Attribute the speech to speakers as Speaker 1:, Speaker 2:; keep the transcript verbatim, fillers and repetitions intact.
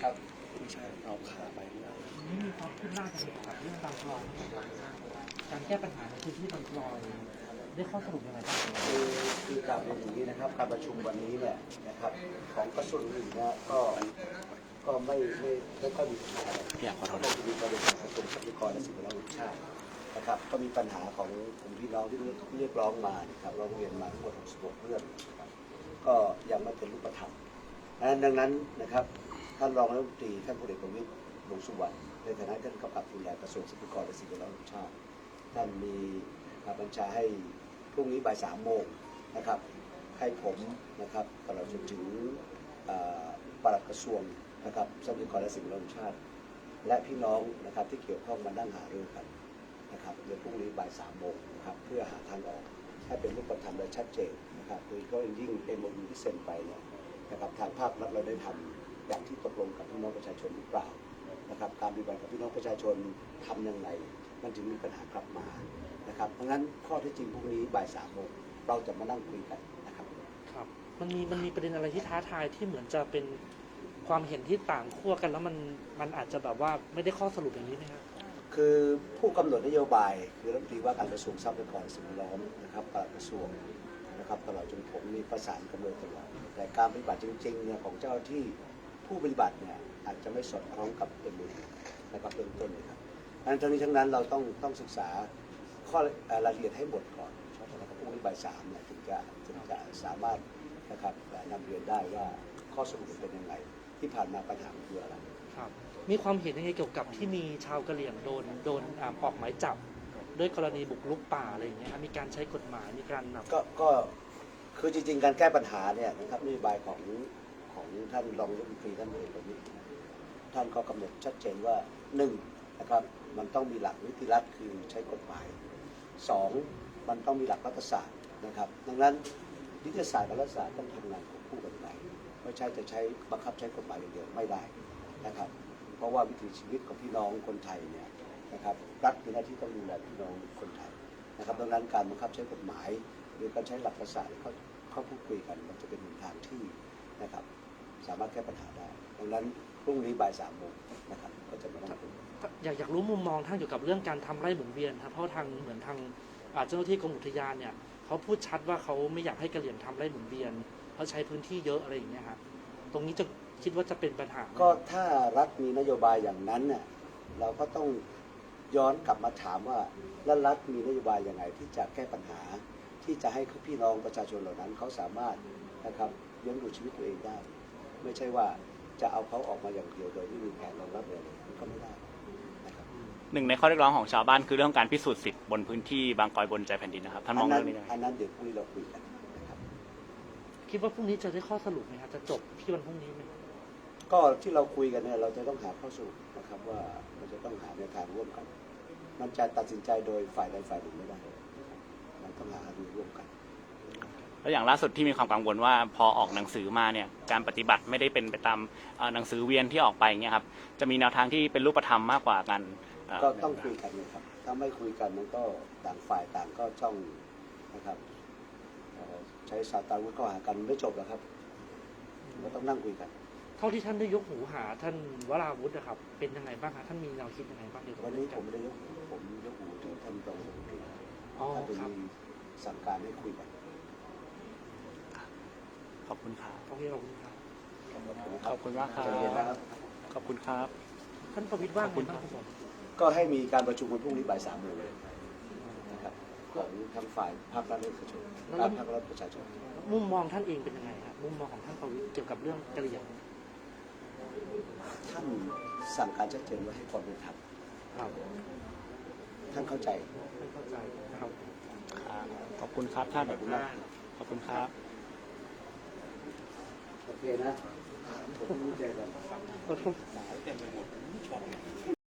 Speaker 1: ครับไม่ใช่เอาขาไปไม่ได้
Speaker 2: นี่มีความคืบหน้าจะเกี่ยวกับเรื่องบางกลอยการแก้ปัญหาในพื้นที่บางกลอยได้ข้อสรุปยังไงบ้าง
Speaker 1: คือคือกลับเรียนอย่างนี้นะครับการประชุมวันนี้เนี่ยนะครับของกระทรวงอื่นเนี่ยก็ก็ไม่ไม่ไม่ค่อยมีปัญหาอะไรอยากขอโทษมีประเด็นของกระทรวงทรัพยากรและสิ่งแวดล้อมแห่งชาตินะครับก็มีปัญหาของกลุ่มพี่น้องที่เรียกร้องมานะครับร้องเรียนมาทั้งหมดหกสิบหกเรื่องนะครับก็ยังไม่เป็นรูปธรรมดังนั้นนะครับท่านรองรัฐมนตรีท่านพลเอกประวิตรวงษ์สุวรรณในฐานะท่านกำกับดูแลกระทรวงทรัพยากรและสิ่งแวดล้อมแห่งชาติท่านมีบัญชาให้พรุ่งนี้บ่ายสามโมงนะครับให้ผมนะครับตลอดจนถึงปลัดกระทรวงนะครับทรัพยากรและสิ่งแวดล้อมแห่งชาติและพี่น้องนะครับที่เกี่ยวข้องมานั่งหารือกันนะครับในพรุ่งนี้บ่ายสามโมงนะครับเพื่อหาทางออกให้เป็นรูปธรรมและชัดเจนนะครับโดยก็ยิ่งเอ็มโอยูที่เซ็นไปเนี่ยนะครับทางภาครัฐเราได้ทำอย่างที่ตกลงกับพี่น้องประชาชนหรือเปล่านะครับการปฏิบัติกับพี่น้องประชาชนทำอย่างไรมันจึงมีปัญหากลับมานะครับเพราะงั้นข้อที่จริงพรุ่งนี้บ่ายสามโมงเราจะมานั่งคุยกันนะครับ
Speaker 2: ครับมันมีมันมีประเด็นอะไรที่ท้าทายที่เหมือนจะเป็นความเห็นที่ต่างขั้วกันแล้วมันมันอาจจะแบบว่าไม่ได้ข้อสรุปอย่างนี้ไหมครับ
Speaker 1: คือผู้กำหนดนโยบายคือรัฐมนตรีว่าการกระทรวงทรัพยากรสิ่งแวดล้อมนะครับปลัดกระทรวงนะครับตลอดจนผมมีประสานกันโดยตลอดแต่การปฏิบัติจริงๆเนี่ยของเจ้าหน้าที่ผู้ปฏิบัติเนี่ยอาจจะไม่สอดคล้องกับเอ็มโอยูนะครับเบื้องต้นเลยครับดังนั้นทั้งนี้ทั้งนั้นเราต้องต้องศึกษาข้อรายละเอียดให้หมดก่อนนะครับพรุ่งนี้บ่ายสามเนี่ยถึงจะถึงจะสามารถนะครับนำเรียนได้ว่าข้อสรุปเป็นยังไงที่ผ่านมาปัญหาคืออะไร
Speaker 2: ครับมีความเห็นยังไงเกี่ยวกับที่มีชาวกะเหรี่ยงโดนโดนออกหมายจับด้วยกรณีบุกรุกป่าอะไรอย่างเงี้ยครับมีการใช้กฎหมายมีการแบบ
Speaker 1: ก็ก็คือจริงๆการแก้ปัญหาเนี่ยนะครับนโยบายของของท่านรองรัฐมนตรีท่านเอกประวิตรท่านก็กำหนดชัดเจนว่าหนึ่งนะครับมันต้องมีหลักนิติรัฐคือใช้กฎหมายสองมันต้องมีหลักรัฐศาสตร์นะครับดังนั้นนิติศาสตร์กับรัฐศาสตร์ต้องทำงานควบคู่กันไปไม่ใช่จะใช้บังคับใช้กฎหมายอย่างเดียวไม่ได้นะครับเพราะว่าวิถีชีวิตของพี่น้องคนไทยเนี่ยนะครับรัฐมีหน้าที่ต้องดูแลพี่น้องคนไทยนะครับดังนั้นการบังคับใช้กฎหมายหรือการใช้หลักรัฐศาสตร์เขาเขาพูดคุยกันมันจะเป็นทางที่นะครับสามารถแก้ปัญหาได้ดังนั้นพรุ่งนี้บ่ายสามโมงนะครับก็จะมาต้องคุย
Speaker 2: อยากอยากรู้มุมมองท่านเกี่ยวกับเรื่องการทำไร่หมุนเวียนครับเพราะทางเหมือนทางเจ้าหน้าที่กรมอุทยานเนี่ยเขาพูดชัดว่าเขาไม่อยากให้กะเหรี่ยงทำไร่หมุนเวียนเพราะใช้พื้นที่เยอะอะไรอย่างเงี้ยครับตรงนี้จะคิดว่าจะเป็นปัญหา
Speaker 1: ก็ถ้ารัฐมีนโยบายอย่างนั้นเนี่ยเราก็ต้องย้อนกลับมาถามว่าแล้วรัฐมีนโยบายยังไงที่จะแก้ปัญหาที่จะให้พี่น้องประชาชนเหล่านั้นเขาสามารถนะครับเลี้ยงดูชีวิตตัวเองได้ไม่ใช่ว่าจะเอาเขาออกมาอย่างเดียวโดยไม่มีแผนรองรับเลยก็ไม่ได้นะครับ
Speaker 3: หนึ่งในข้อเรียกร้องของชาวบ้านคือเรื่องการพิสูจน์สิทธิ์บนพื้นที่บางกอยบนใจแผ่นดินนะครับท่านมองเรื่องนี้ยังไง
Speaker 1: อันนั้นเดี๋ยวพรุ่งนี้เราคุยกันนะครับ
Speaker 2: คิดว่าพรุ่งนี้จะได้ข้อสรุปไหมครับจะจบที่วันพรุ่งนี้ไหม
Speaker 1: ก็ที่เราคุยกันเนี่ยเราจะต้องหาข้อสรุปนะครับว่าเราจะต้องหาแนวทางร่วมกันมันจะตัดสินใจโดยฝ่ายใดฝ่ายหนึ่งไม่ได้มันต้องหาดูร่วมกัน
Speaker 3: แล้วอย่างล่าสุดที่มีความกังวลว่าพอออกหนังสือมาเนี่ยการปฏิบัติไม่ได้เป็นไปตามหนังสือเวียนที่ออกไปเนี่ยครับจะมีแนวทางที่เป็นรูปธรรมมากกว่ากัน
Speaker 1: ก็ต้องคุยกันเลยครับถ้าไม่คุยกันมันก็ต่างฝ่ายต่างก็จ้องนะครับใช้สาตาวุธเข้าหากันไม่จบหรอกครับเราต้องนั่งคุยกัน
Speaker 2: เท่าที่ท่านได้ยกหูหาท่านวราวุฒินะครับเป็นยังไงบ้างครับท่านมีแนวคิดยังไงบ้างเกี่ยวกับ
Speaker 1: วันนี้ผมไม่ได้ยกหูผมยกหูถึงท่านรองรัฐมนตรีท่านเป็นสั่งการให้คุยกัน
Speaker 3: ขอบคุณครับ
Speaker 2: โอเคขอบคุณครับ
Speaker 3: ขอบคุณมากครับขอบคุณครับ
Speaker 2: ท่านประวิตรว่าไงบ้างครับ
Speaker 1: ก็ให้มีการประชุมวันพรุ่งนี้บ่ายสามโมงเลยนะครับของทางฝ่ายภาครัฐและเอกชนและภาครัฐประชาชน
Speaker 2: มุมมองท่านเองเป็นยังไงครับมุมมองของท่านประวิตรเกี่ยวกับเรื่องกะเหรี่ยง
Speaker 1: ท่านสั่งการชัดเจนว่าให้ความเป็นธรรมท่านเข้าใจ
Speaker 2: ท่านเข้าใจนะครับ
Speaker 3: ขอบคุณครับท่านขอบคุณมากขอบคุณครับ
Speaker 1: โอเคนะผมรู้ใจกัน